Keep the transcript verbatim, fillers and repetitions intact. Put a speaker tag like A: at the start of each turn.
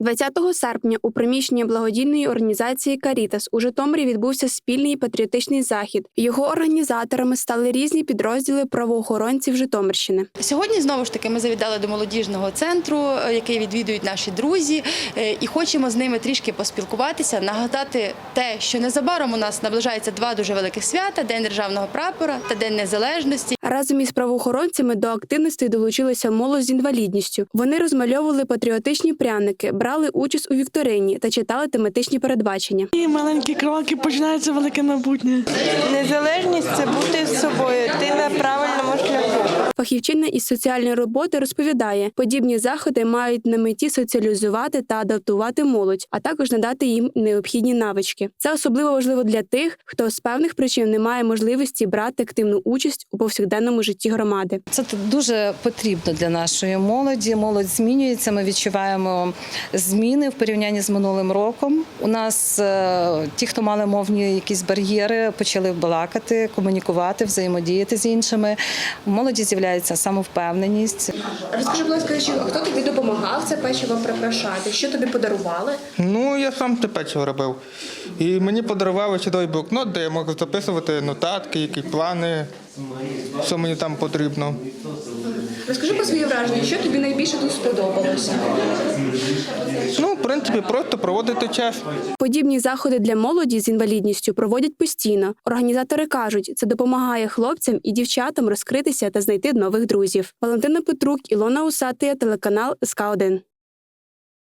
A: двадцятого серпня у приміщенні благодійної організації «Карітас» у Житомирі відбувся спільний патріотичний захід. Його організаторами стали різні підрозділи правоохоронців Житомирщини.
B: Сьогодні, знову ж таки, ми завітали до молодіжного центру, який відвідують наші друзі, і хочемо з ними трішки поспілкуватися, нагадати те, що незабаром у нас наближається два дуже великих свята – День державного прапора та День незалежності.
A: Разом із правоохоронцями до активності долучилася молодь з інвалідністю. Вони розмальовували патріотичні пряники, брали участь у вікторині та читали тематичні передбачення.
C: І маленькі кроки, починається велике майбутнє.
D: Незалежність – це бути з собою, ти на правильному шляху.
A: Фахівчиня із соціальної роботи розповідає, подібні заходи мають на меті соціалізувати та адаптувати молодь, а також надати їм необхідні навички. Це особливо важливо для тих, хто з певних причин не має можливості брати активну участь у повсякденному житті громади.
E: Це дуже потрібно для нашої молоді. Молодь змінюється, ми відчуваємо зміни в порівнянні з минулим роком. У нас ті, хто мали мовні якісь бар'єри, почали балакати, комунікувати, взаємодіяти з іншими. У молоді з'являється самовпевненість.
A: Розкажи, будь ласка, хто тобі допомагав це печиво прикрашати? Що тобі подарували?
F: Ну, я сам те печиво робив. І мені подарували чудовий блокнот, де я можу записувати нотатки, які плани, що мені там потрібно.
A: Розкажи про свої враження, що тобі найбільше тут сподобалося?
F: Ну, в принципі, просто проводити час.
A: Подібні заходи для молоді з інвалідністю проводять постійно. Організатори кажуть, це допомагає хлопцям і дівчатам розкритися та знайти нових друзів. Валентина Петрук, Ілона Усатия, телеканал ес ка один.